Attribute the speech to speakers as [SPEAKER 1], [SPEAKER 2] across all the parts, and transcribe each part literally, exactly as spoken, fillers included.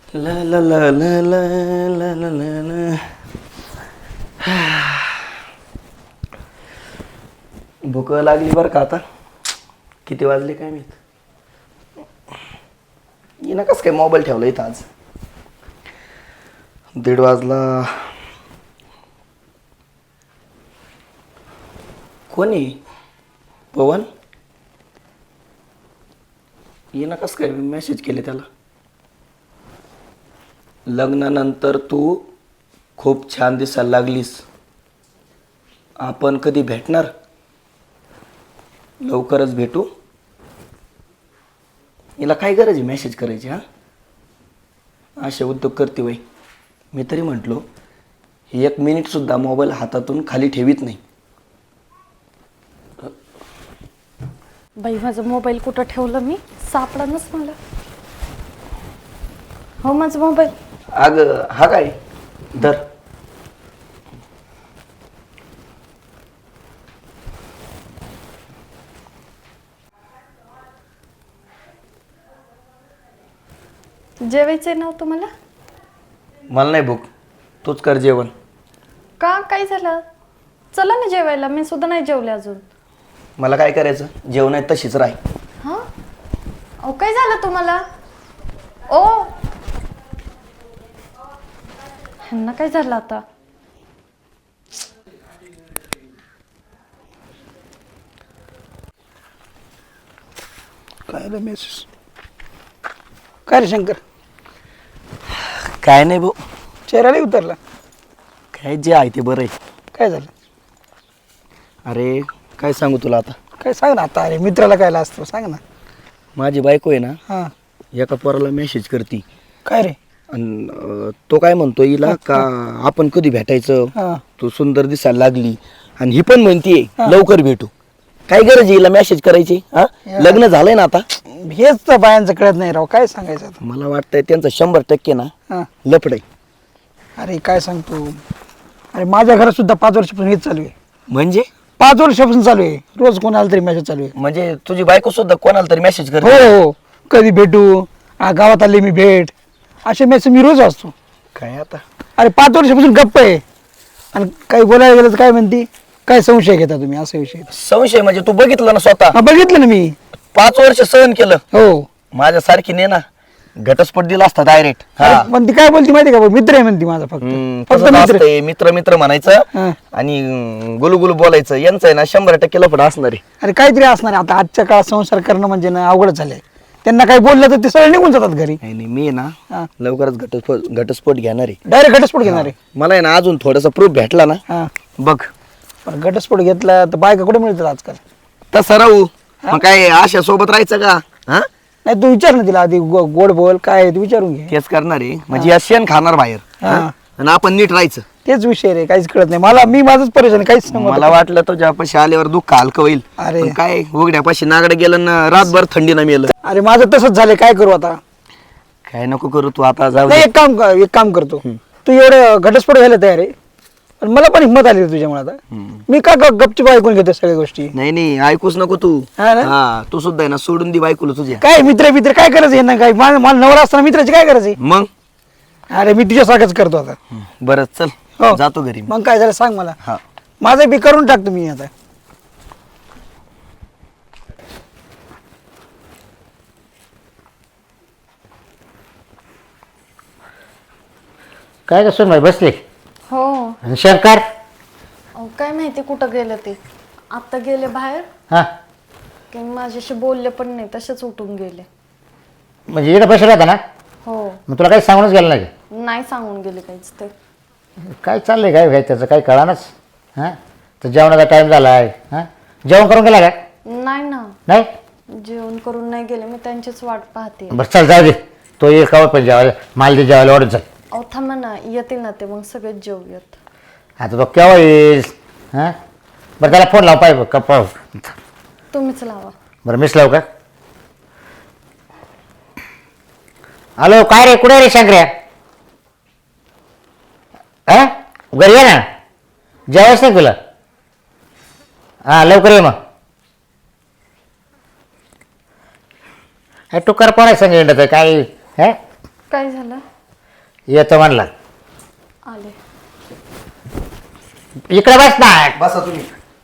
[SPEAKER 1] ला ला ला ला ला ला ला ला ला. भूक लागली बरं का आता. किती वाजले काय माहित. येणं कसं काय मोबाईल ठेवला इथं आज. दीड वाजला. कोणी पवन येणं कसं काय मेसेज केले त्याला. लग्नानंतर तू खूप छान दिसायला लागलीस. आपण कधी भेटणार. लवकरच भेटू. हिला काय गरज आहे मेसेज करायची. हा असे उद्योग करते वय. मी तरी म्हटलो ही एक मिनिटसुद्धा मोबाईल हातातून खाली ठेवीत नाही.
[SPEAKER 2] बाई माझा मोबाईल कुठं ठेवलं मी सापडानच मला. हो माझा मोबाईल.
[SPEAKER 1] अगं हा काय धर.
[SPEAKER 2] जेवायचंय ना तुम्हाला.
[SPEAKER 1] मला नाही भूक. तूच कर जेवण.
[SPEAKER 2] का काय झालं. चला ना जेवायला. मी सुद्धा नाही जेवले अजून.
[SPEAKER 1] मला काय करायचं. जेवण आहे तशीच राह.
[SPEAKER 2] हा अहो काय झालं तुम्हाला. ओ ह्यांना काय झालं आता.
[SPEAKER 3] काय रे मेसेज. काय रे शंकर.
[SPEAKER 1] काय नाही भाऊ.
[SPEAKER 3] चेहरा नाही उतरला.
[SPEAKER 1] काय जे आहे ते बरं आहे.
[SPEAKER 3] काय झालं.
[SPEAKER 1] अरे काय सांगू तुला आता.
[SPEAKER 3] काय सांग ना आता. अरे मित्राला काय असतो सांग ना.
[SPEAKER 1] माझी बायको आहे ना
[SPEAKER 3] हां
[SPEAKER 1] एका पोराला मेसेज करती.
[SPEAKER 3] काय रे.
[SPEAKER 1] आणि अं, तो काय म्हणतो हिला का आपण कधी भेटायचं.
[SPEAKER 3] हां
[SPEAKER 1] तू सुंदर दिसायला लागली. आणि ही पण म्हणतीये लवकर भेटू. काय गरज आहे हिला मेसेज करायची. हा लग्न झालंय ना आता.
[SPEAKER 3] हेच तर बायांचं कळत नाही राव. काय सांगायचं आता.
[SPEAKER 1] मला वाटतंय त्यांचं शंभर टक्के ना
[SPEAKER 3] हां
[SPEAKER 1] लफड आहे.
[SPEAKER 3] अरे काय सांगतो. अरे माझ्या घरात सुद्धा पाच वर्षापासून हेच चालू आहे.
[SPEAKER 1] म्हणजे
[SPEAKER 3] पाच वर्षापासून चालू आहे. रोज कोणाला तरी मेसेज चालू आहे.
[SPEAKER 1] म्हणजे तुझी बायको सुद्धा कोणाला तरी मेसेज
[SPEAKER 3] हो
[SPEAKER 1] करते.
[SPEAKER 3] हो कधी भेटू. हा, गावात आले मी भेट. असे मेसेज मी रोज असतो.
[SPEAKER 1] काय आता.
[SPEAKER 3] अरे पाच वर्षापासून गप्प आहे. आणि काही बोलायला गेलं तर काय म्हणते. काय संशय घेता तुम्ही असा विषय.
[SPEAKER 1] संशय म्हणजे तू बघितलं ना स्वतः.
[SPEAKER 3] हा, बघितलं ना मी.
[SPEAKER 1] पाच वर्ष सहन केलं.
[SPEAKER 3] हो
[SPEAKER 1] माझ्या सारखी ने ना घटस्फोट दिला असता डायरेक्ट.
[SPEAKER 3] अरे, पण ती काय बोलती माहिती का. मित्र आहे म्हणते माझा फक्त. फक्त मित्र.
[SPEAKER 1] मित्र मित्र म्हणायचं
[SPEAKER 3] हा.
[SPEAKER 1] आणि गुलुगुलू बोलायचं. यांचं आहे ना शंभर टक्के लफड असणार आहे.
[SPEAKER 3] अरे काहीतरी असणार आहे. आता आजच्या काळात संसार करणं म्हणजे ना अवघड झालंय. त्यांना काही बोललं तर ते सगळे निघून जातात घरी.
[SPEAKER 1] नाही नाही मी आहे
[SPEAKER 3] हा.
[SPEAKER 1] ना लवकरच घटस्फोट घटस्फोट घेणार आहे.
[SPEAKER 3] डायरेक्ट घटस्फोट घेणार आहे.
[SPEAKER 1] मला आहे ना अजून थोडासा प्रूफ भेटला ना
[SPEAKER 3] हा
[SPEAKER 1] बघ.
[SPEAKER 3] पण घटस्फोट घेतला तर बायका कुठे मिळतात आजकाल.
[SPEAKER 1] तसं राहू. मग काय आशा सोबत राहायचं का. हा
[SPEAKER 3] नाही तू विचार ना तिला आधी गो- गोड बोल काय आहे ते विचारून घे.
[SPEAKER 1] तेच करणार आहे. म्हणजे या शेण खाणार बाहेर.
[SPEAKER 3] हा.
[SPEAKER 1] हा? आणि आपण नीट राहायचं.
[SPEAKER 3] तेच विषय रे. काहीच कळत नाही मला. मी माझंच परेशान आहे, काहीच नाही
[SPEAKER 1] मला वाटलं तुझ्यापाशी आल्यावर दुःख हलकं होईल.
[SPEAKER 3] अरे.
[SPEAKER 1] पण काय उघड्यापाशी नागडं गेलं ना रातभर थंडीनं मेलं.
[SPEAKER 3] अरे माझं तसंच झालंय. काय करू आता.
[SPEAKER 1] काय नको करू तू आता. जाऊ
[SPEAKER 3] नाही
[SPEAKER 1] दे.
[SPEAKER 3] एक काम कर एक काम करतो. तू एवढं घटस्फोट घ्यायला तयार आहे. पण मला पण हिंमत आली रे तुझ्यामुळे आता. मी का ग- गपचूप ऐकून घेतो सगळ्या गोष्टी.
[SPEAKER 1] नाही नाही ऐकूच नको तू.
[SPEAKER 3] हा ना?
[SPEAKER 1] हा तू सुद्धा आहे ना सोडून दे बायकोला तुझ्या.
[SPEAKER 3] काय मित्र मित्र काय करायचं यांना. काय मला मला नवरा असताना मित्राची काय करायची.
[SPEAKER 1] मग
[SPEAKER 3] अरे मी तुझ्यासारखंच करतो आता.
[SPEAKER 1] बरं चल
[SPEAKER 3] हो.
[SPEAKER 1] जातो घरी मी.
[SPEAKER 3] मग काय झालं सांग मला.
[SPEAKER 1] हा
[SPEAKER 3] माझं बी करून टाकतो मी आता.
[SPEAKER 4] काय कसं नाही बसले.
[SPEAKER 2] हो
[SPEAKER 4] आणि शंकर.
[SPEAKER 2] अहो काय माहिती कुठं गेलं ते. आत्ता गेले बाहेर.
[SPEAKER 4] हां
[SPEAKER 2] की माझ्याशी बोलले पण नाही तसेच उठून गेले.
[SPEAKER 4] म्हणजे इकडे बसला होता ना.
[SPEAKER 2] हो
[SPEAKER 4] मग तुला काही सांगूनच गेलं नाही.
[SPEAKER 2] नाही सांगून गेले काहीच ते.
[SPEAKER 4] काय चाललंय काय काय त्याचं काही कळानच. हां तर जेवणाचा टाईम झाला आहे. हां जेवण करून गेला का.
[SPEAKER 2] नाही ना
[SPEAKER 4] नाही
[SPEAKER 2] जेवण करून नाही गेले. मी त्यांचीच वाट पाहते.
[SPEAKER 4] बरं चल जाऊ दे. तो ये कावत पण जेवायला माल दे जेवायला वाढून चल.
[SPEAKER 2] अहो थांबा ना येतील ना ते मग सगळेच जेवूयात.
[SPEAKER 4] आता तो केव्हा येईल. हां बरं त्याला फोन लाव पाहिजे कप्पा.
[SPEAKER 2] तुम्हीच लावा.
[SPEAKER 4] बरं मिस लावू का. हॅलो काय रे कुठे रे शंकर्या. हां घरी ये ना. जेवायच नाही तुला. हां लवकर ये मग. हे टुकार पण आहे संग काय. हे
[SPEAKER 2] काय झालं.
[SPEAKER 4] येतो म्हणला.
[SPEAKER 2] आले.
[SPEAKER 4] इकडे बस ना.
[SPEAKER 1] बसा तुम्ही.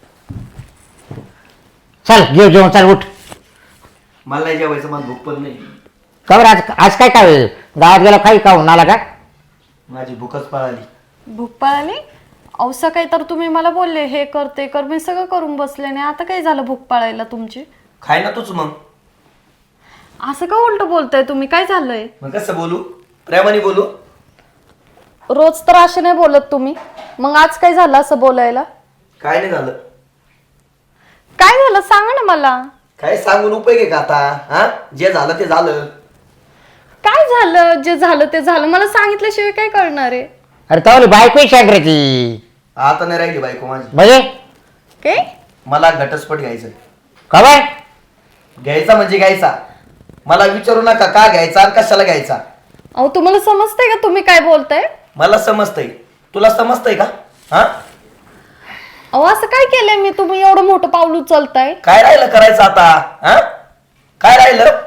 [SPEAKER 4] चल घेऊ जेवण, चल उठ.
[SPEAKER 1] मला नाही जेवायचं, मला भूक पण नाही.
[SPEAKER 4] का बरं आज आज काय काय गावात गेला काही खाऊन आला का?
[SPEAKER 1] माझी भूकच पळाली.
[SPEAKER 2] भूक पळाली? अहो सकाळी तर तुम्ही मला बोलले हे कर ते कर, मी सगळं करून बसले नाही. आता काय झालं भूक पळायला तुमची?
[SPEAKER 1] खाय ना तूच मग.
[SPEAKER 2] असं का उलट बोलताय तुम्ही? काय झालंय?
[SPEAKER 1] मग कसं बोलू? प्रेमाने बोलू?
[SPEAKER 2] रोज तर असे नाही बोलत तुम्ही, मग आज काय झालं असं बोलायला?
[SPEAKER 1] काय नाही झालं.
[SPEAKER 2] काय झालं सांगा ना मला.
[SPEAKER 1] काय सांगून उपयोग आहे का आता? हा, जे झालं ते झालं.
[SPEAKER 2] काय झालं? जे झालं ते झालं, मला सांगितल्याशिवाय काय कळणार आहे?
[SPEAKER 4] अरे तावली बायको सांगण्याची
[SPEAKER 1] आता नाही राहिली बायको माझी.
[SPEAKER 4] म्हणजे
[SPEAKER 2] काय?
[SPEAKER 1] मला घटस्फोट घ्यायचा.
[SPEAKER 4] का बाय?
[SPEAKER 1] घ्यायचा म्हणजे घ्यायचा. मला विचारू नका का घ्यायचा आणि कशाला घ्यायचा.
[SPEAKER 2] अहो तुम्हाला समजतंय का तुम्ही काय बोलताय?
[SPEAKER 1] मला समजतंय, तुला समजतंय का? हा,
[SPEAKER 2] अहो असं काय केलंय मी, तुम्ही एवढं मोठं पाऊल उचलताय?
[SPEAKER 1] काय राहिलं करायचं आता? हा, काय राहिलं?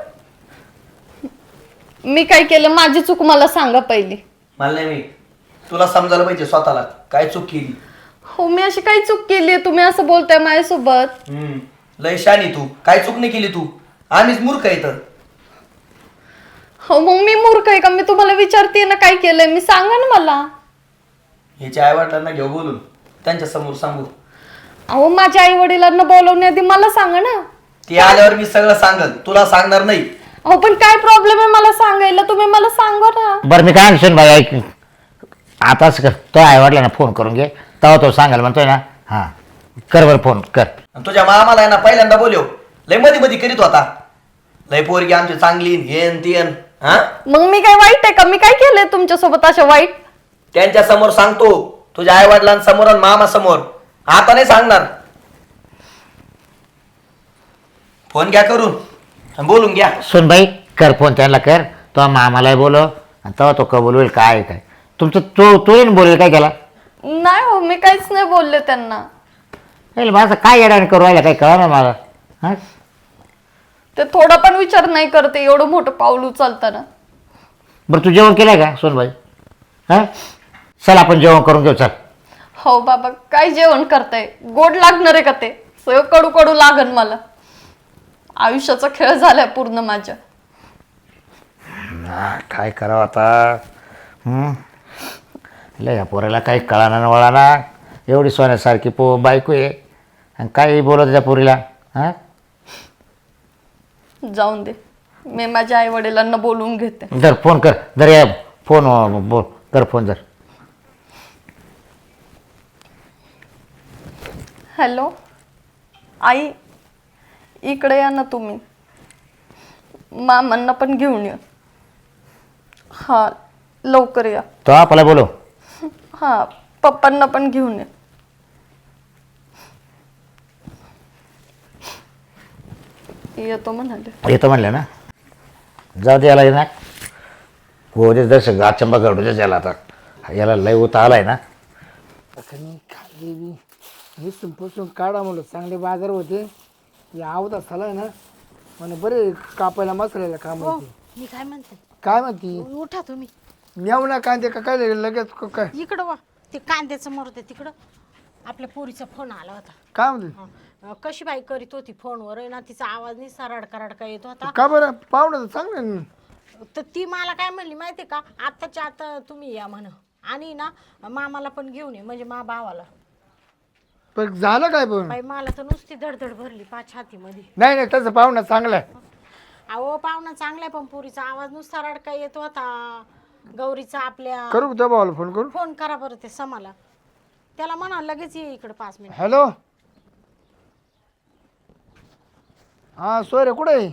[SPEAKER 2] मी काय केलं? माझी चूक मला सांगा पहिली.
[SPEAKER 1] मला नाही, मी तुला समजायला पाहिजे स्वतःला काय चूक केली.
[SPEAKER 2] हो मी अशी काही चूक केली आहे? तुम्ही असं बोलताय माझ्यासोबत?
[SPEAKER 1] हम्म, लय शानी तू. काय चूक नाही केली तू. आम्हीच मूर्ख आहे तर.
[SPEAKER 2] हो मग मी मूर्ख आहे का? मी तुम्हाला विचारते ना काय केलंय, मी सांगा ना मला.
[SPEAKER 1] ह्याच्या आई वडिलांना घेऊ बोलून, त्यांच्या समोर सांगू.
[SPEAKER 2] अहो माझ्या आई वडिलांना बोलवण्याआधी मला सांगा ना.
[SPEAKER 1] ती आल्यावर मी सगळं सांगल, तुला सांगणार नाही.
[SPEAKER 2] अहो पण काय प्रॉब्लेम आहे मला सांगायला? तुम्ही मला सांगा ना.
[SPEAKER 4] बरं मी काय म्हणशील बाई ऐक, आताच कर तो आईवडला ना फोन करून घे, तेव्हा तो सांगाल म्हणतोय ना. हां कर बरं फोन कर.
[SPEAKER 1] आणि तुझ्या मामाला आहे ना पहिल्यांदा बोलव, लय मध्ये मध्ये करीत होता. लय पोरगी आमची चांगली हेन तेन. हा,
[SPEAKER 2] मग मी काय वाईट आहे का? मी काय केलंय तुमच्यासोबत असं वाईट?
[SPEAKER 1] त्यांच्या समोर सांगतो, तुझ्या आई वडिलांसमोर आणि मामा समोर. आता नाही सांगणार. फोन घ्या करून आणि बोलून घ्या.
[SPEAKER 4] सुन बाई कर फोन त्यांना कर, तो मामालाही बोलव आणि तेव्हा तो कबूल होईल. काय काय तुमचं तो तो बोलेल काय केला?
[SPEAKER 2] नाही हो मी काहीच नाही बोलले त्यांना.
[SPEAKER 4] माझं काय येणार करू राहिला काही कळा ना मला. हां
[SPEAKER 2] ते थोडा पण विचार नाही करते एवढं मोठं पाऊल उचलताना.
[SPEAKER 4] बरं तू जेवण केलंय का सोनबाई? हां चल आपण जेवण करून घेऊ चल.
[SPEAKER 2] हो बाबा काय जेवण करताय? गोड लागणार आहे का ते? सगळं कडू कडू लागन मला. आयुष्याचा खेळ झालाय पूर्ण माझ्या.
[SPEAKER 4] हा, काय करावं आता? हं? लय या पोराला काही कळाना वळाना. एवढी सोन्यासारखी पो बायको आहे आणि काही बोलत त्या पोरीला. हां
[SPEAKER 2] जाऊन दे, मी माझ्या आई वडिलांना बोलवून घेते.
[SPEAKER 4] जर फोन कर, जर या फोन बोल कर फोन जर.
[SPEAKER 2] हॅलो आई, इकडे या ना तुम्ही. मामांना पण घेऊन या. हा लवकर या.
[SPEAKER 4] तो आपला बोलो.
[SPEAKER 2] हा पप्पांना पण घेऊन या. येतो म्हणाले.
[SPEAKER 4] येतो म्हणलं ना. जाऊ दे याला ना. हो दे जसं गाचंबा गडूच याला आता. याला लय उता आलाय ना.
[SPEAKER 3] खाली मी संपून काढा म्हणलं, चांगले बाजार होते. या आवता झालाय ना म्हणे बरे कापायला मसाल्याला काम होते.
[SPEAKER 5] मी काय म्हणते,
[SPEAKER 3] काय म्हणती?
[SPEAKER 5] उठा तुम्ही
[SPEAKER 3] नेऊ ना कांदे का काय लगेच क- काय
[SPEAKER 5] इकडं वा. ते कांद्याचं मरू दे तिकडं. आपल्या पोरीचा फोन आला होता.
[SPEAKER 3] काय म्हणते?
[SPEAKER 5] अं, कशी बाई करीत होती फोनवर आहे ना, तिचा आवाज नाही रडका रडका येत होता.
[SPEAKER 3] का बरं पाहुणं चांगलं ना.
[SPEAKER 5] तर ती मला काय म्हणली माहिती का, आत्ताच्या आता तुम्ही या म्हण आणि ना मामाला पण घेऊन ये, म्हणजे मा भावाला.
[SPEAKER 3] पण झालं काय पण?
[SPEAKER 5] बाई मला तर नुसती धडधड भरली पाच छातीमध्ये.
[SPEAKER 3] नाही नाही तसं पाहुणं चांगलं आहे.
[SPEAKER 5] अहो पाहुणा चांगला आहे पण पोरीचा आवाज नुसता रडका येत होता. गौरीचा आपल्या.
[SPEAKER 3] करू त्या भावाला फोन करू.
[SPEAKER 5] फोन करा बरं ते समाला. त्याला म्हणा लगेच ये इकडे पाच मिनिट.
[SPEAKER 3] हॅलो हां सोयरे कुठे आहे?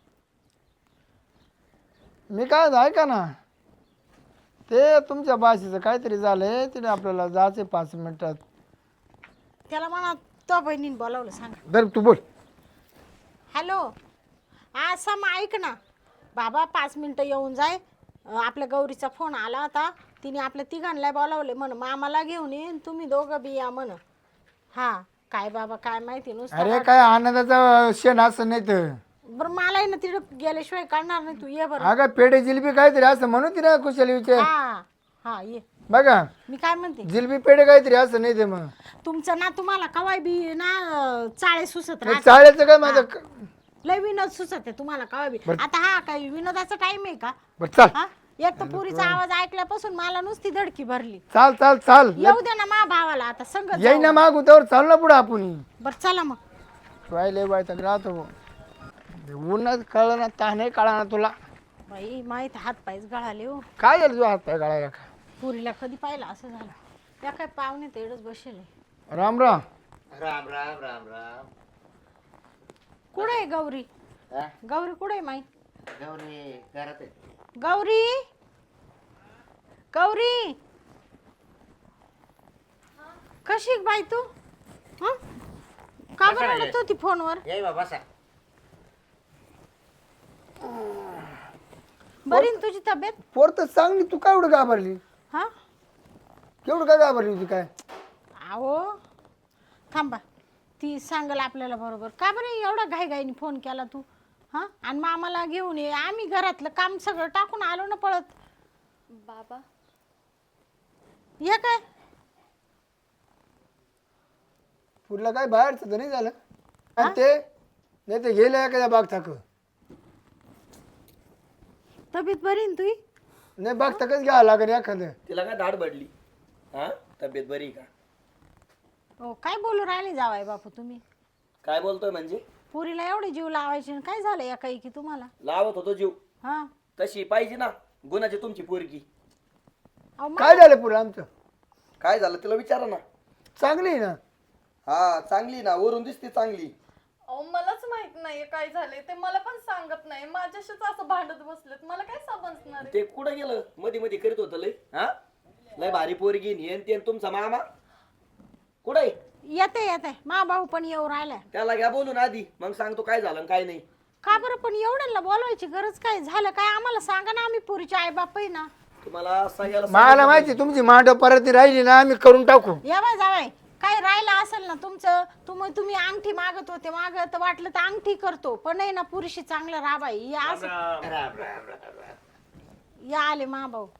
[SPEAKER 3] मी काय ऐका ना, ते तुमच्या भाषेचं काहीतरी झालंय, तिने आपल्याला जायचं पाच मिनिटात.
[SPEAKER 5] त्याला म्हणा तो बहिणीने बोलावलं सांगा.
[SPEAKER 3] दर तू बोल.
[SPEAKER 5] हॅलो हा सम ऐक ना बाबा, पाच मिनटं येऊन जाय. अं, आपल्या गौरीचा फोन आला होता. तिने आपल्या तिघांना बोलावले म्हण, मामाला घेऊन ये तुम्ही दोघं बी या म्हण. हा काय बाबा काय माहिती नुसतं.
[SPEAKER 3] अरे काय आनंदाचा क्षण असं नाही तर
[SPEAKER 5] बरं मला ना तिकडे गेल्याशिवाय काढणार नाही तू ये बरं
[SPEAKER 3] अगं पेढे जिलेबी काहीतरी असं म्हणून तिला कुशल विचार
[SPEAKER 5] हा हा ये
[SPEAKER 3] बघा
[SPEAKER 5] मी काय म्हणते
[SPEAKER 3] जिलेबी पेढे काहीतरी असं नाही ते मग
[SPEAKER 5] तुमचं ना तुम्हाला कवाय बी ना अं, चाळे सुचत
[SPEAKER 3] मग
[SPEAKER 5] राहते.
[SPEAKER 3] चाळ्याचं काय माझं
[SPEAKER 5] लय विनोद सुचत आहे तुम्हाला कवाय बी आता हा काही विनोदाचा टाइम आहे का
[SPEAKER 3] बरं चाल
[SPEAKER 5] हा एक तर पुरीचा आवाज ऐकल्यापासून मला नुसती धडकी भरली
[SPEAKER 3] चाल चाल चाल
[SPEAKER 5] येऊ दे ना मा भावाला आता संगत
[SPEAKER 3] येई ना मागू त्यावर चाल ना पुढे आपण
[SPEAKER 5] बर चला मग
[SPEAKER 3] राहिले बाय तर राहतो उन्हात कळलं ना ताने कळा ना तुला
[SPEAKER 5] बाई माहित हात पायच गळाले हो
[SPEAKER 3] काय झालं तुझा हात पाय काढायला का
[SPEAKER 5] पुरीला कधी पाहिलं असं झालं त्या काय पाहुणे तेवढंच बसेल
[SPEAKER 3] राम राम
[SPEAKER 4] राम राम राम राम
[SPEAKER 5] कुठे आहे गौरी
[SPEAKER 4] हा?
[SPEAKER 5] गौरी कुठे आहे माई
[SPEAKER 4] गौरी घरात आहे.
[SPEAKER 5] गौरी गौरी कशी आहे बाई तू हं? का बरं रडत होती फोनवर
[SPEAKER 4] ये बा बसा
[SPEAKER 5] बरी ना तुझी तब्येत
[SPEAKER 3] पोर तर चांगली तू काय एवढं घाबरली
[SPEAKER 5] हा
[SPEAKER 3] केवढं काय घाबरली होती काय
[SPEAKER 5] अहो थांबा ती सांगल आपल्याला बरोबर का बरं एवढा घाईघाईने फोन केला तू हा आणि मामाला घेऊन ये आम्ही घरातलं काम सगळं टाकून आलो ना पळत
[SPEAKER 2] बाबा
[SPEAKER 5] हे काय
[SPEAKER 3] पुढला काय बाहेरचं तर नाही झालं आणि ते नाही ते गेलं एखाद्या बाग थाक
[SPEAKER 5] तब्येत बरी ना तुझी
[SPEAKER 3] नाही बाग थाकच घ्यावं लागेल एखादं
[SPEAKER 1] तिला काय दाढ बडली हा तब्येत बरी का
[SPEAKER 5] हो काय बोलू राहिले जावाय बापू तुम्ही
[SPEAKER 1] काय बोलतोय म्हणजे
[SPEAKER 5] पुरीला एवढे जीव लावायचे आणि काय झालं एका की तुम्हाला
[SPEAKER 1] लावत होतो जीव
[SPEAKER 5] हा
[SPEAKER 1] तशी पाहिजे ना गुणाची तुमची पोरगी
[SPEAKER 5] अहो मा-
[SPEAKER 3] काय झालं पुढं आमचं
[SPEAKER 1] काय झालं तिला विचारा ना
[SPEAKER 3] चांगली आहे ना
[SPEAKER 1] हा चांगली ना वरून दिसते चांगली
[SPEAKER 2] अहो मलाच माहित नाहीये काय झालंय ते मला पण सांगत नाही माझ्याशीच असं भांडत बसलेत मला काय समजणार आहे?
[SPEAKER 1] ते कुठं गेलं मध्ये मध्ये करीत होतं लय हा लय भारी पोरगी नेन तेन तुमचा मामा कुठं आहे
[SPEAKER 5] येते येते मा भाऊ पण येऊ राहिलाय
[SPEAKER 1] त्याला घ्या बोलून आधी मग सांगतो काय झालं आणि काय नाही
[SPEAKER 5] का बरं पण एवढ्यांना बोलवायची गरज काय झालं काय आम्हाला सांगा ना आम्ही पुरीचे आई बाप आहे ना
[SPEAKER 1] तुम्हाला सांगायला
[SPEAKER 3] मला माहिती तुमची मांडव परत राहिली ना आम्ही करून टाकू
[SPEAKER 5] यावाय जावाय काय राहिलं असेल ना तुमचं तुम्ही तुम्ही अंगठी मागत होते मागत वाटलं तर अंगठी करतो पण नाही ना पुरीशी चांगलं राबाई या असं
[SPEAKER 4] राम राम राम राम
[SPEAKER 5] या आले मा भाऊ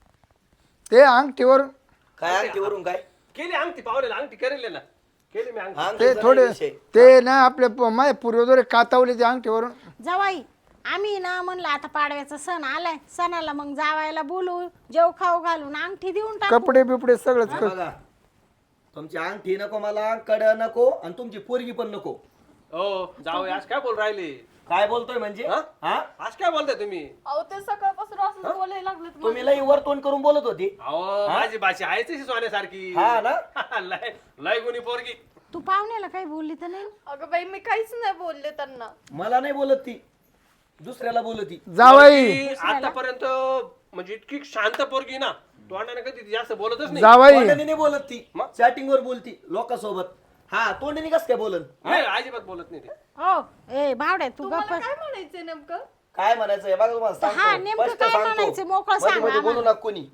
[SPEAKER 3] ते अंगठीवर
[SPEAKER 1] काय अंगठी वरून काय
[SPEAKER 6] केली अंगठी पावलेला अंगठी करेल ना केली मी अंगठी
[SPEAKER 1] अंगठी
[SPEAKER 3] ते
[SPEAKER 1] जरा
[SPEAKER 3] थोडे
[SPEAKER 1] विषय.
[SPEAKER 3] ते ना आपल्या प- माझ्या पूर्वजोरे कातावले ते अंगठीवरून
[SPEAKER 5] जावाई आम्ही ना म्हणलं आता पाडव्याचा सण आलाय सणाला मग जावायला बोलू जेव खाऊ घालून अंगठी देऊन टाकू
[SPEAKER 3] कपडे बिपडे सगळंच
[SPEAKER 1] हा
[SPEAKER 3] कर
[SPEAKER 1] बघा तुमची अंगठी नको मला कड नको आणि तुमची पोरगी पण नको
[SPEAKER 6] हो जाऊ आज काय बोल राहिले
[SPEAKER 1] काय बोलतोय म्हणजे
[SPEAKER 6] हा?
[SPEAKER 1] हा
[SPEAKER 6] आज काय बोलताय तुम्ही
[SPEAKER 2] अहो ते सकाळपासून असं बोलायला लागलेत मला.
[SPEAKER 1] तुम्ही लई वर तोंड करून बोलत होती
[SPEAKER 6] अहो माझी भाषा आहेच तशी सोन्यासारखी
[SPEAKER 1] हा ना
[SPEAKER 6] लय लय गुणी पोरगी
[SPEAKER 5] तू पाहुण्याला काही बोलली तर नाही
[SPEAKER 2] अगं बाई मी काहीच नाही बोलले त्यांना
[SPEAKER 1] मला नाही बोलत ती दुसऱ्याला बोलत ती
[SPEAKER 3] जावाई
[SPEAKER 6] ती आतापर्यंत म्हणजे इतकी शांत पोरगी ना तोंडाने कधी जास्त बोलतच नाही
[SPEAKER 3] जावाई
[SPEAKER 1] तोंडाने नाही बोलत ती
[SPEAKER 6] मग?
[SPEAKER 1] चॅटिंग वर बोलती लोकांसोबत हा तोंडाने कस काय बोलन
[SPEAKER 6] नाही, अजिबात बोलत नाही ते
[SPEAKER 5] हो ए भावड्या तू गप्प
[SPEAKER 2] तुम्हाला काय म्हणायचंय नेमकं
[SPEAKER 1] काय म्हणायचंय बघा तुम्हाला
[SPEAKER 5] हा,
[SPEAKER 1] सांगतो
[SPEAKER 5] नेमकं
[SPEAKER 1] स्पष्ट
[SPEAKER 5] काय
[SPEAKER 1] सांगतो.
[SPEAKER 5] म्हणायचं? मोकळं
[SPEAKER 1] मध्ये
[SPEAKER 5] सांगा
[SPEAKER 1] मध्ये बोलू
[SPEAKER 5] आम्हाला.
[SPEAKER 1] नका कोणी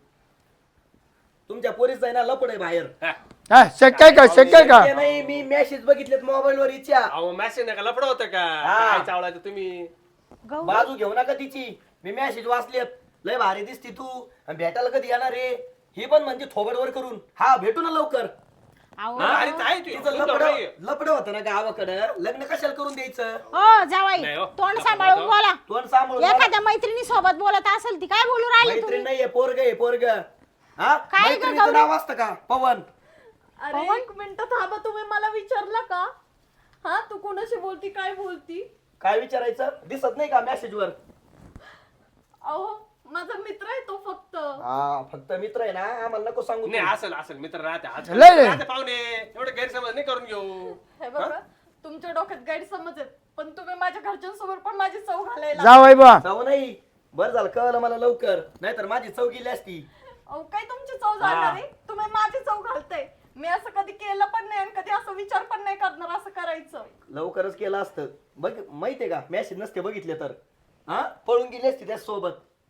[SPEAKER 1] तुमच्या पोरीच आहे ना लपड आहे बाहेर
[SPEAKER 6] हा.
[SPEAKER 3] हा शक्य आहे का शक्य आहे का
[SPEAKER 1] ते नाही मी मेसेज बघितलेत मोबाईल वर इच्छा
[SPEAKER 6] अहो मॅसेज नका लफड होतं का
[SPEAKER 1] हा.
[SPEAKER 6] काय चावलायचं तुम्ही
[SPEAKER 5] गौ
[SPEAKER 1] बाजू घेऊ नका तिची मी मेसेज वाचलेत लय भारी दिसती तू आणि भेटायला कधी येणार रे ही पण म्हणजे थोबडवर करून हा भेटू ना लवकर
[SPEAKER 5] अहो
[SPEAKER 6] अरे आहे ती,
[SPEAKER 1] तिचं
[SPEAKER 6] सुंदर
[SPEAKER 1] लपड
[SPEAKER 6] नाहीये.
[SPEAKER 1] लपड होतं ना गावाकडं लग्न कशाला करून द्यायचं
[SPEAKER 5] हो जावाई
[SPEAKER 6] नाही हो.
[SPEAKER 5] तोंड सांभाळून बोला
[SPEAKER 1] तोंड सांभाळून
[SPEAKER 5] एखाद्या मैत्रिणी सोबत बोलत असेल ती काय बोलू राहिली
[SPEAKER 1] मैत्रीण
[SPEAKER 5] तुम्ही
[SPEAKER 1] नाहीये पोरग आहे पोरग हा
[SPEAKER 5] काय ग
[SPEAKER 1] मैत्रिणीचं
[SPEAKER 5] गौरी?
[SPEAKER 1] नाव असतं का पवन
[SPEAKER 2] अरे एक मिनिट थांबा तुम्ही मला विचारलं का हा तू कोणाशी बोलती काय बोलती
[SPEAKER 1] काय विचारायचं दिसत नाही का मेसेज वर
[SPEAKER 2] अहो माझा मित्र आहे तो फक्त
[SPEAKER 1] हा फक्त मित्र आहे ना आम्हाला नको सांगू
[SPEAKER 6] नाही
[SPEAKER 1] तू.
[SPEAKER 6] असेल असेल मित्र राहते आज
[SPEAKER 3] लय लय.
[SPEAKER 6] राहते पाहुणे एवढे गैरसमज नाही करून घेऊ
[SPEAKER 2] हे बघा तुमच्या डोक्यात गैरसमज आहेत पण तुम्ही माझ्या घरच्यांसमोर पण माझी चव घालायला
[SPEAKER 3] जावाई बा
[SPEAKER 1] जाऊ नाही बरं झालं कळलं मला लवकर नाहीतर माझी चव गेली असती
[SPEAKER 2] अहो काय तुमची चव जाणार आहे तुम्ही माझी चव घालताय मी असं कधी केलं पण नाही आणि कधी असं विचार पण नाही करणार असं करायचं
[SPEAKER 1] लवकरच केलं असतं बघ माहितीये का मेसेज नसते बघितले तर हा पळून गेली असती त्या सोबत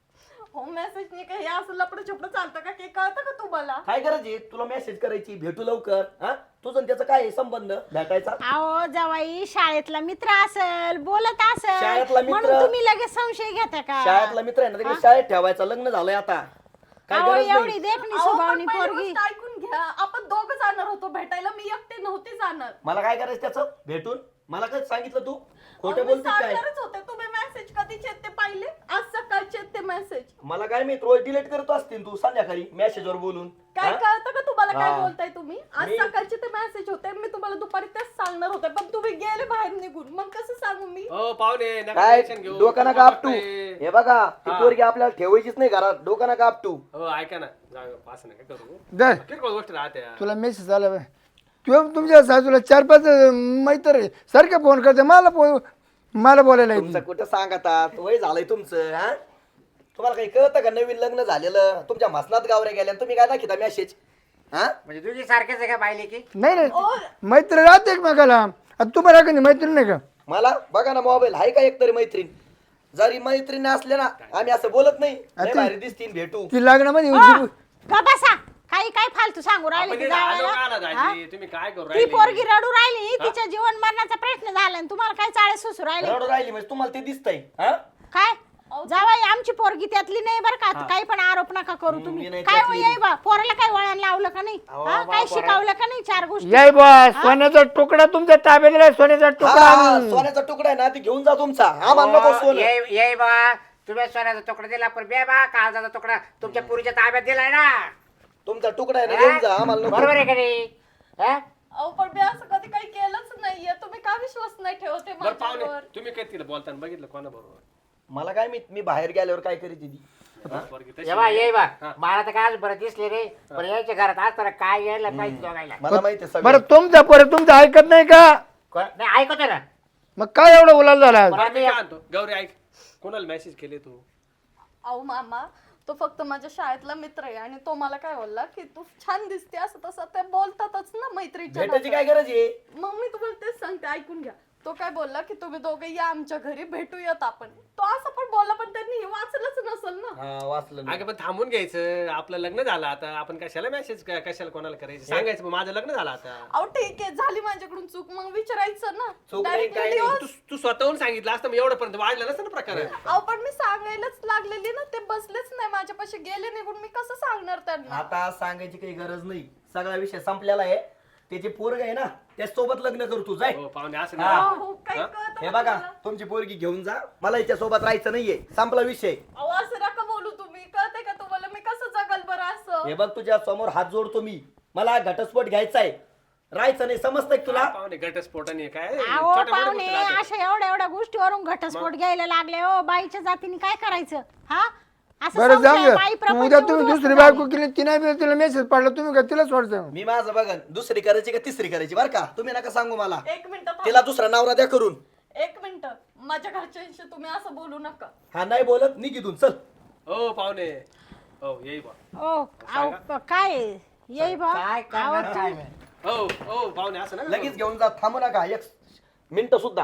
[SPEAKER 2] हो मेसेजने काही असं लपडं छपडं चालतं का काही कळतं का तुम्हाला
[SPEAKER 1] काय गरज आहे तुला मेसेज करायची भेटू लवकर हा तुझं आणि त्याचं काय आहे संबंध भेटायचा
[SPEAKER 5] अहो जवाई शाळेतला मित्र असेल बोलत असेल
[SPEAKER 1] शाळेतला मित्र?
[SPEAKER 5] म्हणून तुम्ही लगेच संशय घेता का
[SPEAKER 1] शाळेतला मित्र आहे ना तिकडे शाळेत ठेवायचा लग्न झालंय आता काय
[SPEAKER 5] अहो
[SPEAKER 1] गरज
[SPEAKER 5] एवढी
[SPEAKER 1] नाही
[SPEAKER 5] देखणी
[SPEAKER 2] अहो, पण
[SPEAKER 5] स्वभावनी
[SPEAKER 2] पहिली
[SPEAKER 5] पोरगी
[SPEAKER 2] गोष्ट ऐकून घ्या आपण दोघं जाणार होतो भेटायला मी एकटे नव्हते जाणार
[SPEAKER 1] मला काय करायचं त्याचं भेटून मला काय सांगितलं तू खोटं
[SPEAKER 2] अहो, मी
[SPEAKER 1] बोलते काय
[SPEAKER 2] सांगणारच होते तुम्ही मेसेज कधीचे आहेत ते पाहिले आज सकाळचे आहेत ते मेसेज
[SPEAKER 1] मला काय मी रोज डिलीट करत असतील तू संध्याकाळी मेसेजवर बोलून
[SPEAKER 2] काय
[SPEAKER 1] हा?
[SPEAKER 2] कळतं का तुम्हाला काय
[SPEAKER 1] हा.
[SPEAKER 2] बोलताय तुम्ही आज
[SPEAKER 1] मी-
[SPEAKER 2] सकाळचे ते मेसेज होते मी तुम्हाला दुपारी तेच सांगणार होते पण तुम्ही गेले बाहेर निघून मग कसं सांगू मी
[SPEAKER 6] हो पाहुणे नका
[SPEAKER 1] काय
[SPEAKER 6] टेन्शन घेऊ
[SPEAKER 1] डोकं नका आपटू
[SPEAKER 6] वाटतंय.
[SPEAKER 1] हे बघा ती
[SPEAKER 6] हा.
[SPEAKER 1] पोरगी आपल्याला ठेवायचीच नाही घरात डोकं नका आपटू
[SPEAKER 6] हो ऐका ना जाऊ पास नका करू
[SPEAKER 3] दर
[SPEAKER 6] किरकोळ गोष्ट राहते
[SPEAKER 3] तुला मेसेज आला बाय तू तुमच्या सासूला चार पाच मैत्र आहे सारखे फोन करते मला फोन मला बोलायला येत
[SPEAKER 1] तुमचं कुठं सांगतात वय झालंय तुमचं हा तुम्हाला काही कळतं का नवीन लग्न झालेलं तुमच्या मसनात गावऱ्या गेल्या आणि तुम्ही काय दाखिता मेसेज हा
[SPEAKER 4] म्हणजे तुझी सारखेच आहे का पाहिले की
[SPEAKER 3] नाही नाही मैत्र राहते एकमेकाला आता तुम्हाला कधी मैत्री नाही का
[SPEAKER 1] मला बघा ना मोबाईल आहे का एकतरी मैत्रीण जरी मैत्रीण असले ना आम्ही असं बोलत नाही लय भारी दिसतील भेटू
[SPEAKER 3] ती लग्नामध्ये
[SPEAKER 5] हो, का बसा काही काय फालतू सांगू राहिले
[SPEAKER 6] आपण
[SPEAKER 5] की
[SPEAKER 6] इथं आलो का
[SPEAKER 5] जावायला?
[SPEAKER 6] ना
[SPEAKER 5] हा?
[SPEAKER 6] दाजी तुम्ही काय करू
[SPEAKER 5] ती
[SPEAKER 6] राहिले
[SPEAKER 5] पोरगी रडू राहिली तिच्या जीवन मरणाचा प्रश्न झाला आणि तुम्हाला काय चाळे सुसू राहिले
[SPEAKER 1] रडू राहिली म्हणजे तुम्हाला ते दिसतंय हा
[SPEAKER 5] काय जावाई आमची पोरगी त्यातली नाही बरं का काही पण आरोप नका करू
[SPEAKER 1] मी
[SPEAKER 5] तुम्ही
[SPEAKER 1] नाही
[SPEAKER 5] काय हो
[SPEAKER 1] त्यातली.
[SPEAKER 5] येई बा पोराला काय वळण लावलं का नाही हा? काय शिकवलं का नाही चार गोष्टी
[SPEAKER 3] याय बा सोन्याचा तुकडा तुमच्या ताब्यात दिलाय सोन्याचा तुकडा
[SPEAKER 1] हा,
[SPEAKER 3] आणून.
[SPEAKER 1] सोन्याचा तुकडा आहे ना ती घेऊन जा तुमचा आम्हाला नको सोनं
[SPEAKER 4] ये ये बा तुम्ही सोन्याचा तुकडा दिला पण बे बा काळजाचा तुकडा तुमच्या पुरीच्या ताब्यात दिलाय ना
[SPEAKER 1] तुमचा तुकडा आहे ना घेऊन जा आम्हाला नको
[SPEAKER 4] बरोबर आहे का नाही हा?
[SPEAKER 2] अहो पण मी असं कधी काही केलंच नाहीये तुम्ही का विश्वास नाही ठेवते
[SPEAKER 6] बरं पाहुणे
[SPEAKER 2] माझ्यावर
[SPEAKER 6] तुम्ही काय तिला बोलताना बघितलं कोणा बरोबर
[SPEAKER 1] मला काय मी मी बाहेर गेल्यावर काय करीत ती
[SPEAKER 6] पोरगी तशी
[SPEAKER 4] ये बा ये बा
[SPEAKER 6] हा.
[SPEAKER 4] मला तर काय आज बरं दिसले रे पण यायच्या घरात आज तर काय यायला पाहिजे दोघायला
[SPEAKER 1] मला माहिती आहे
[SPEAKER 3] बरं
[SPEAKER 1] सगळं
[SPEAKER 3] तुमचा पोरं तुमचं ऐकत नाही का
[SPEAKER 4] को- नाही ऐकतो ना
[SPEAKER 3] मग काय एवढं उलाल झाला आज?
[SPEAKER 6] बरं, मी काय आणतो गौरी ऐक कोणाला मेसेज केले तू
[SPEAKER 2] अहो मामा तो फक्त माझ्या शाळेतला मित्र आहे आणि तो मला काय बोलला की तू छान दिसते असं तसं ते बोलतातच ना मैत्रीच्या
[SPEAKER 1] भेटायची
[SPEAKER 2] नात्यात.
[SPEAKER 1] काय गरज आहे
[SPEAKER 2] मग मी तुम्हाला तेच सांगते ऐकून घ्या तो काय बोलला की तुम्ही दोघे या आमच्या घरी भेटूयात आपण तो असं पण बोलला पण त्यांनी हे वाचलंच नसेल ना
[SPEAKER 1] हा वाचलं ना.
[SPEAKER 6] अगं पण थांबून घ्यायचं आपलं लग्न झालं आता आपण कशाला मेसेज कशाला कोणाला करायचं सांगायचं मग माझं लग्न झालं आता
[SPEAKER 2] अहो ठीक आहे झाली माझ्याकडून चूक मग विचारायचं ना
[SPEAKER 1] चूक नाही,
[SPEAKER 2] Directly
[SPEAKER 1] काय नाही.
[SPEAKER 2] divorce.
[SPEAKER 6] तू तू स्वतःहून सांगितलं असतं मग एवढंपर्यंत वाढलं नसतं ना प्रकार
[SPEAKER 2] अहो पण मी सांगायलाच लागलेली ना ते बसलेच नाही माझ्यापाशी गेले निघून मी कसं सांगणार त्यांना
[SPEAKER 1] आता सांगायची काही गरज नाही सगळा विषय संपलेला आहे त्याची पोरग आहे ना त्याच सोबत लग्न करू तू जाय
[SPEAKER 6] हो पाहुणे असं
[SPEAKER 1] हा.
[SPEAKER 6] नाही
[SPEAKER 2] हो काही कळतं
[SPEAKER 1] हे
[SPEAKER 2] का
[SPEAKER 1] बघा
[SPEAKER 2] तुम्हाला?
[SPEAKER 1] तुमची पोरगी घेऊन जा मला हिच्या सोबत राहायचं नाहीये संपला विषय
[SPEAKER 2] अहो असं नका बोलू तुम्ही कळते का तुम्हाला मी कसं जगल बरं असं
[SPEAKER 1] हे बघ तुझ्या समोर हात जोडतो मी मला घटस्फोट घ्यायचा आहे राहायचं नाही समजतंय का तुला
[SPEAKER 6] पाहुणे घटस्फोटाने काय
[SPEAKER 5] अहो
[SPEAKER 6] छोट्या मोठ्या
[SPEAKER 5] पाहुणे
[SPEAKER 6] गोष्टी राहतात.
[SPEAKER 5] अशा एवढ्या एवढ्या गोष्टीवरून घटस्फोट घ्यायला लागले हो बाईच्या जातीने काय करायचं हा असं
[SPEAKER 3] बरं जाऊ
[SPEAKER 5] संशय,
[SPEAKER 3] द्या.
[SPEAKER 5] बाई प्रपंच
[SPEAKER 3] उद्या तुम्ही
[SPEAKER 5] उद्ध्वस्त
[SPEAKER 3] दुसरी
[SPEAKER 5] झाली.
[SPEAKER 3] बायको केली तिने बी तिला मेसेज पडला तुम्ही का तिला सोडता
[SPEAKER 1] मी माझं बघा दुसरी करायची का तिसरी करायची बरं का तुम्ही नका सांगू मला
[SPEAKER 2] एक मिनिट
[SPEAKER 1] तिला दुसरा नवरा द्या करून
[SPEAKER 2] एक मिनिट माझ्या घरच्यांशी तुम्ही असं बोलू नका
[SPEAKER 1] हा नाही बोलत निघितून चल
[SPEAKER 6] हो पाहुणे हो येई बा
[SPEAKER 5] ओ अहो, प- काय येई बा
[SPEAKER 4] काय
[SPEAKER 5] अहो,
[SPEAKER 4] करणार
[SPEAKER 5] तू-
[SPEAKER 4] काय मी?
[SPEAKER 6] हो हो पाहुणे असं ना
[SPEAKER 1] लगेच घेऊन जा थांबू नका एक मिनिट सुद्धा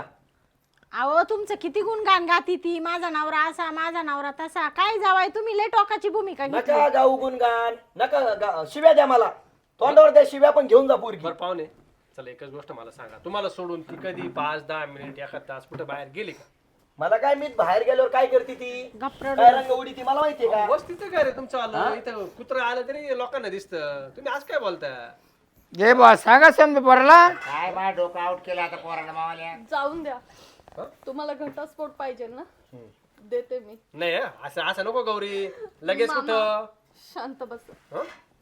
[SPEAKER 5] अहो तुमचं किती गुणगान गाती ती माझा नवरा असा माझा नवरा तसा काय जावाय तुम्ही लय टोकाची भूमिका घेतली
[SPEAKER 1] नका गाऊ गुणगान नका गा- शिव्या द्या मला तोंडावर द्या शिव्या पण घेऊन जा पोरगी
[SPEAKER 6] बरं पाहुणे चला एकच गोष्ट मला सांगा तुम्हाला सोडून ती कधी पाच दहा मिनिट एखाद तास कुठे बाहेर गेली का
[SPEAKER 1] मला काय मी बाहेर गेल्यावर काय करते ती
[SPEAKER 5] गप्प
[SPEAKER 1] काय रंग उडी ती मला माहितीये का
[SPEAKER 6] वस्तीचं घर आहे तुमचं आलं इथं कुत्र आलं तरी लोकांना दिसतं तुम्ही आज काय बोलता
[SPEAKER 3] जे बा सांगा समजा पोराला
[SPEAKER 4] काय बा डोकं आउट केलं आता पोराला मावाल्या
[SPEAKER 2] जाऊन द्या तुम्हाला घटस्फोट पाहिजे ना देते मी
[SPEAKER 6] नाही हं? असं असं नको गौरी लगेच
[SPEAKER 2] मामा,
[SPEAKER 6] कुठं
[SPEAKER 2] शांत बस
[SPEAKER 6] हं?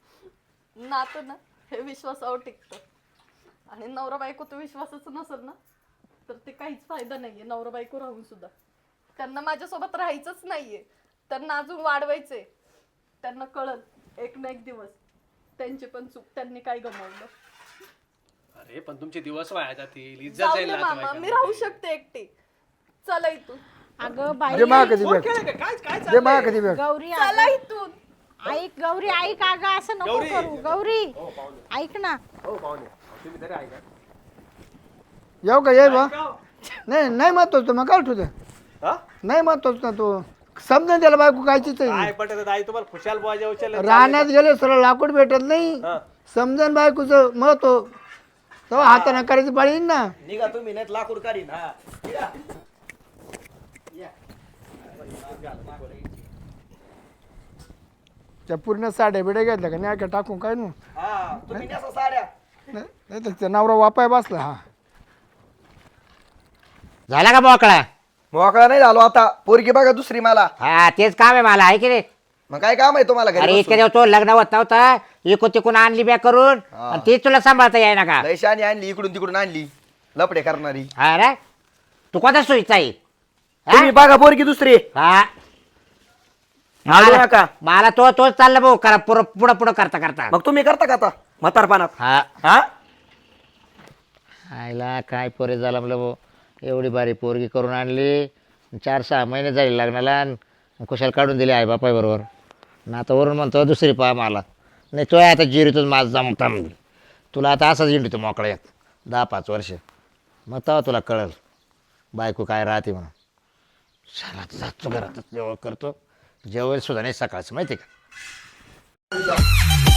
[SPEAKER 2] नातं ना हे विश्वासावर टिकतं आणि नवरा बायको तो विश्वासच नसेल ना तर ते काहीच फायदा नाहीये नवरा बायको राहून सुद्धा त्यांना माझ्यासोबत राहायचंच नाहीये त्यांना अजून वाढवायचंय त्यांना कळल एक ना एक दिवस त्यांची पण चूक त्यांनी काय गमावलं
[SPEAKER 6] अरे पण तुमचे दिवस वाया जातील इज्जत
[SPEAKER 2] जाऊ
[SPEAKER 6] जाईल
[SPEAKER 2] दे मामा मी
[SPEAKER 6] नातेवाईकांमध्ये.
[SPEAKER 2] राहू शकते एकटी चला इथून
[SPEAKER 5] अगं बाई
[SPEAKER 3] जे मा कधी
[SPEAKER 6] फोन
[SPEAKER 3] बघ
[SPEAKER 6] केला का? काय काय
[SPEAKER 3] जे मा
[SPEAKER 6] चाललंय?
[SPEAKER 3] कधी बघ
[SPEAKER 5] गौरी
[SPEAKER 2] चला इथून
[SPEAKER 5] ऐक गौरी ऐक अगं असं नको
[SPEAKER 6] गौरी.
[SPEAKER 5] करू गौरी
[SPEAKER 6] हो पाहुणे
[SPEAKER 5] ऐक ना
[SPEAKER 6] हो पाहुणे तुम्ही तरी ऐका
[SPEAKER 3] येऊ का ये बा
[SPEAKER 6] ऐका हो.
[SPEAKER 3] नाही नाही महत्वाचं मग काय ठेवतो
[SPEAKER 6] हा?
[SPEAKER 3] नाही महत्वाचं ना तू समजा त्याला बायको कायचीच आहे.
[SPEAKER 6] काय पटत आई तुम्हाला खुशाल बुवाच्या उचल
[SPEAKER 3] रानात गेले सरळ लाकूड भेटत नाही समजन बायकोचं महत्व तेव्हा हाताने करायची पाळी येईन ना.
[SPEAKER 1] निघा तुम्ही नाही लाकूड काढीन हा निघा.
[SPEAKER 3] त्या पूर्ण साड्या बिड्या घेतल्या का नाही का टाकून काय नू
[SPEAKER 1] हा तुम्ही नेसा साड्या.
[SPEAKER 3] नाही नाही तर त्या नवरा वापाय बसला हा.
[SPEAKER 4] झाला का मोकळा?
[SPEAKER 1] मोकळा नाही झालो आता पोरगी बघा दुसरी मला.
[SPEAKER 4] हा तेच काम आहे मला, आहे की नाही?
[SPEAKER 1] मग काय काम आहे तुम्हाला घरी
[SPEAKER 4] अरे
[SPEAKER 1] बसून?
[SPEAKER 4] इतके दिवस तो लग्न होत नव्हतं, इकून तिकून आणली बॅग करून आणि तीच तुला सांभाळता येईना का?
[SPEAKER 1] लय शानी आणली इकडून तिकडून आणली लपडे करणारी.
[SPEAKER 4] हा रे, तू कोणता सोयीचा आहे? हा?
[SPEAKER 1] तुम्ही बघा पोरगी दुसरी.
[SPEAKER 4] हा
[SPEAKER 1] आलो
[SPEAKER 4] मला
[SPEAKER 1] नका.
[SPEAKER 4] मला तो तोच चालला भाऊ करा पुढं पुढं पुढं करता करता.
[SPEAKER 1] मग तुम्ही करता का आता म्हातारपणात?
[SPEAKER 4] हा
[SPEAKER 1] हा
[SPEAKER 4] आईला काय पोरे झाला म्हणलं भाऊ, एवढी बारी पोरगी करून आणली, चार सहा महिने झाले लग्नाला आणि कुशाल काढून दिली आई बापाय बरोबर ना. आता वरून म्हणतो दुसरी पहा मला. नाही तो आता जिरीतून माझ जमता म्हणजे तुला आता असाच इंडितो मोकळ्यात दहा पाच वर्ष, मग तेव्हा तुला कळल बायको काय राहते म्हणून. चला जातो घरातच जेवण करतो, जेवण सुद्धा नाही सकाळचं माहिती आहे का.